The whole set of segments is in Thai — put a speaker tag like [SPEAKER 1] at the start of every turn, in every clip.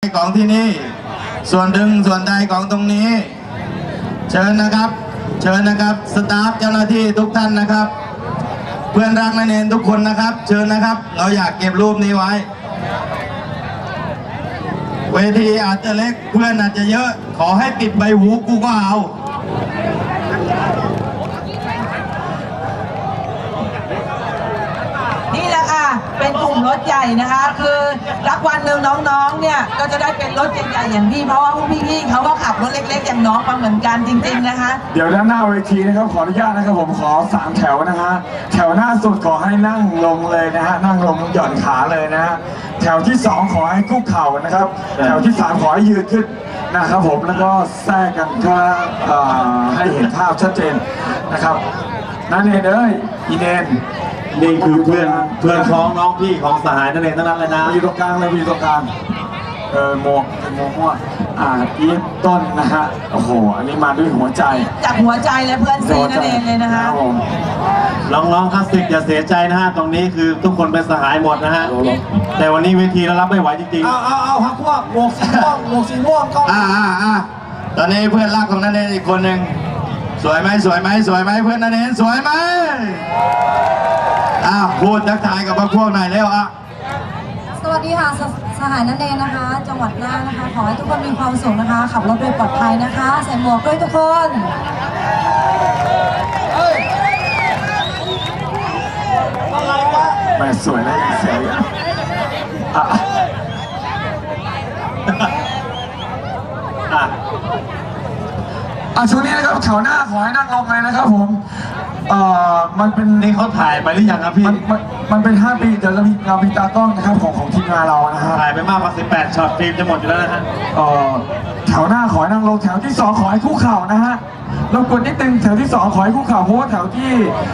[SPEAKER 1] ของที่นี่ส่วนหนึ่งส่วนใดของตรงนี้เชิญนะครับเชิญนะครับสตาฟเจ้าหน้าที่ทุกท่านนะครับ เพื่อนรักนักเรียนทุกคนนะครับเชิญนะครับเราอยากเก็บรูปนี้ไว้เวทีอาจจะเล็กเพื่อนอาจจะเยอะขอให้ปิดใบหูกูก็เอา
[SPEAKER 2] นี่แหละค่ะเป็นกลุ่มรถใหญ่นะคะคือรักวันหนึ่งน้องๆเนี่ยก็จะได้เป็นรถใหญ่ๆอย่างพี่เพราะว่าพี่ๆเขาก็ขับรถเล็กๆอย่างน้องมาเหมือนกันจริงๆนะคะ
[SPEAKER 3] เดี๋ยวด้านหน้าเวทีนะครับขออนุญาตนะครับผมขอ3แถวนะฮะแถวหน้าสุดขอให้นั่งลงเลยนะฮะนั่งลงหย่อนขาเลยนะฮะแถวที่2ขอให้คุกเข่านะครับแถวที่3ขอให้ยืนขึ้นนะครับผมแล้วก็แทรกกันก็ให้เห็นภาพชัดเจนนะครับนั่นเองเลยอีเนน
[SPEAKER 4] นี่คือเพื่อนพ้องน้องพี่ของสหายนั่นเองทั้งนั้นเลยนะ
[SPEAKER 3] มีตรงกลางเลยมีตรงกลางโมม่วอีฟต้นนะฮะโอ้โหอันนี้มาด้วยหัวใจ
[SPEAKER 2] จากหัวใจและเพื่อนซีนั่นเองเลยนะคะ
[SPEAKER 4] น้องๆคลาสสิกอย่าเสียใจนะฮะตรงนี้คือทุกคนเป็นสหายหมดนะฮะแต่วันนี้เวทีเรารับไม่ไหวจริงๆ
[SPEAKER 3] เอาฮักพวกหมวกสีม่วงก็
[SPEAKER 1] ตอนนี้เพื่อนรักของนันเองอีกคนหนึ่งสวยไหมสวยไหมสวยไหมเพื่อนนันเองสวยไหมพูดทักทายกับพวกหน่อยแล้ว
[SPEAKER 5] สวัสดีค่ะสหายนันเองนะคะจังหวัดน่านนะคะขอให้ทุกคนมีความสุขนะคะขับรถโดยปลอดภัยนะคะใส่หมวกด้วยทุกคน
[SPEAKER 3] แม่สวยเลยสวยช่วงนี้นะครับแถวหน้าขอให้นั่งลงเลยนะครับผมมันเป็น
[SPEAKER 4] นี่เขาถ่ายไปหรือยังครับพี่
[SPEAKER 3] มันเป็น5 ปีเดี๋ยวเรามีตากล้องนะครับของทีมงานเรานะฮะ
[SPEAKER 4] ถ่ายไปมากกว่า18ช็อตฟิล์มจะหมดอยู่แล้วนะฮะ
[SPEAKER 3] แถวหน้าขอให้นั่งลงแถวที่2ขอให้คุกเข่านะฮะเรากดนิดนึงแถวที่2ขอให้คุกเข่าเพราะว่าแถวที่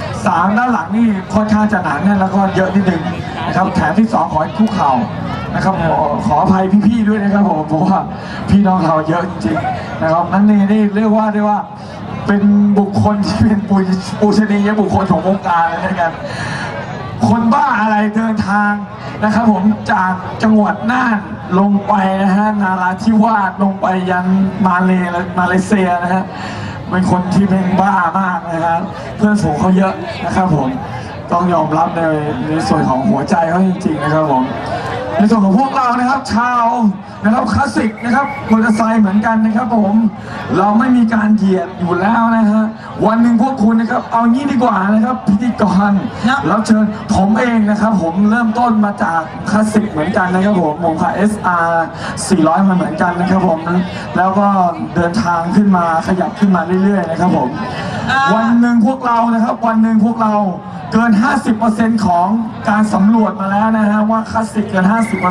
[SPEAKER 3] 3ด้านหลังนี่ค่อนข้างจะหนาแน่นแล้วก็เยอะนิดนึงนะครับแถวที่2ขอให้คุกเข่านะครับขออภัยพี่ๆด้วยนะครับผมเพราะว่าพี่น้องเราเยอะจริงๆนะครับนั่นนี่เรียกว่าได้ว่าเป็นบุคคลที่เป็นปูชนียบุคคลของวงการเลยนะครับคนบ้าอะไรเดินทางนะครับผมจากจังหวัดน่านลงไปนะฮะนาราธิวาสลงไปยันมาเลเซียนะฮะเป็นคนที่เป็นบ้ามากนะครับเพื่อนฝูงเขาเยอะนะครับผมต้องยอมรับในส่วนของหัวใจเขาจริงๆนะครับผมในส่วนของพวกเรานะครับชาวนะครับคลาสสิกนะครับมอเตอร์ไซค์เหมือนกันนะครับผมเราไม่มีการเหยียดอยู่แล้วนะฮะวันหนึ่งพวกคุณนะครับเอางี้ดีกว่านะครับพิธีกรแล้วเชิญผมเองนะครับผมเริ่มต้นมาจากคลาสสิกเหมือนกันนะครับผมพา SR 400มาเหมือนกันนะครับผมแล้วก็เดินทางขึ้นมาขยับขึ้นมาเรื่อยๆนะครับผมวันหนึ่งพวกเรานะครับวันหนึ่งพวกเราเกิน 50% ของการสำรวจมาแล้วนะฮะว่าคลาสสิกเกิน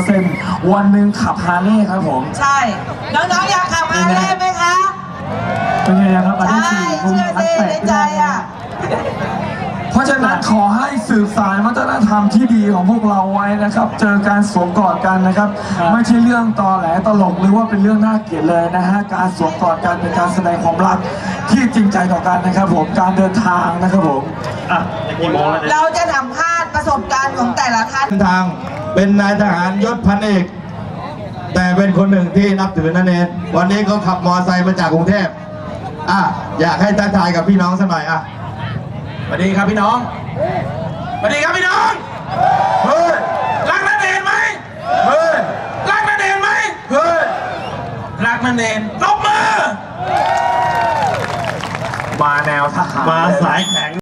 [SPEAKER 3] 50% วันหนึ่งขับฮาร์เลย์ครับผม
[SPEAKER 2] ใช่น้องๆอยากขับฮาร์เลย์ไหมคะ
[SPEAKER 3] เป็นไงครับ
[SPEAKER 2] ใช่เชื่อสิในใจ
[SPEAKER 3] เพราะฉะนั้นขอให้สืบสานวัฒนธรรมที่ดีของพวกเราไว้นะครับเจอการสวมกอดกันนะครับไม่ใช่เรื่องตอแหลตลกหรือว่าเป็นเรื่องน่าเกลียดเลยนะฮะการสวมกอดกันเป็นการแสดงความรักที่จริงใจต่อกันนะครับผมการเดินทางนะครับผม
[SPEAKER 2] เราจะสัมภาษณ์ประสบการณ์ของแต่ละท่าน
[SPEAKER 1] ทางเป็นนายทหารยศพันเอกแต่เป็นคนหนึ่งที่นับถือนั่นเองวันนี้เขาขับมอเตอร์ไซค์มาจากกรุงเทพอยากให้ทักทายกับพี่น้องสักหน่อยสวัสดีครับพี่น้องสวัสดีครับพี่น้องเฮ้ยรักนั่นเองไหมเฮ้ยรักนั่นเองไหมเฮ้ยรักนั่นเองตบมือ
[SPEAKER 3] มาแนวทหาร
[SPEAKER 4] มาสายแข็ง